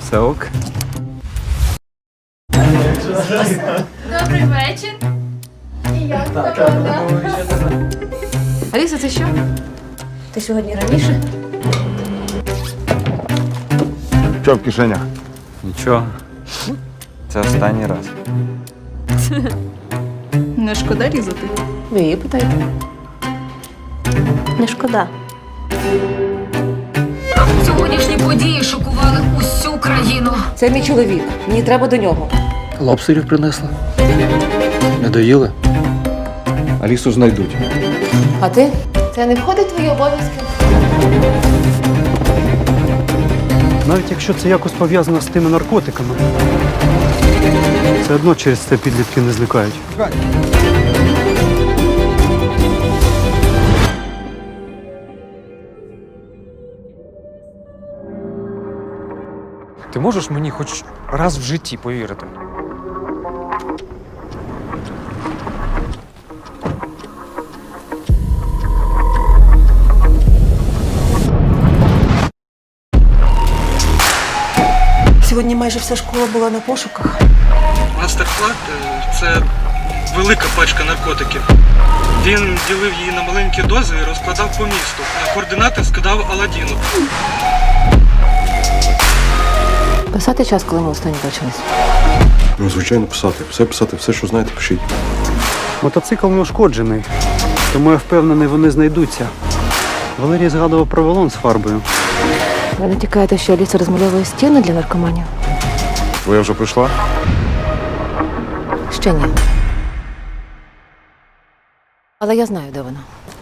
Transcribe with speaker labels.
Speaker 1: Все ок.
Speaker 2: Добрий вечір. І як погода?
Speaker 3: Аліса, це що? Ти сьогодні раніше?
Speaker 4: Що в кишенях?
Speaker 1: Нічого. Це останній раз.
Speaker 2: Не шкода різати?
Speaker 3: Ви її питаєте. Не шкода.
Speaker 5: Сьогоднішні події шокували усю країну.
Speaker 3: Це мій чоловік. Мені треба до нього.
Speaker 6: Лобстерів принесла. Не доїли?
Speaker 4: Алісу знайдуть.
Speaker 3: А ти? Це не входить в твої обов'язки?
Speaker 7: Навіть якщо це якось пов'язано з тими наркотиками, все одно через це підлітки не зникають.
Speaker 6: Ти можеш мені хоч раз в житті повірити?
Speaker 3: Сьогодні майже вся школа була на пошуках.
Speaker 8: Мастерклад це велика пачка наркотиків. Він ділив її на маленькі дози і розкладав по місту. На координати скидав Аладдіну.
Speaker 3: Писати час, коли ми останні бачились.
Speaker 4: Ну, звичайно, писати. Все, що знаєте, пишіть.
Speaker 7: Мотоцикл не ушкоджений, тому я впевнений, вони знайдуться. Валерій згадував про балон з фарбою.
Speaker 3: Ви натякаєте, що Аліса розмальовує стіни для наркоманів?
Speaker 4: Твоя вже прийшла?
Speaker 3: Ще ні. Але я знаю, де вона.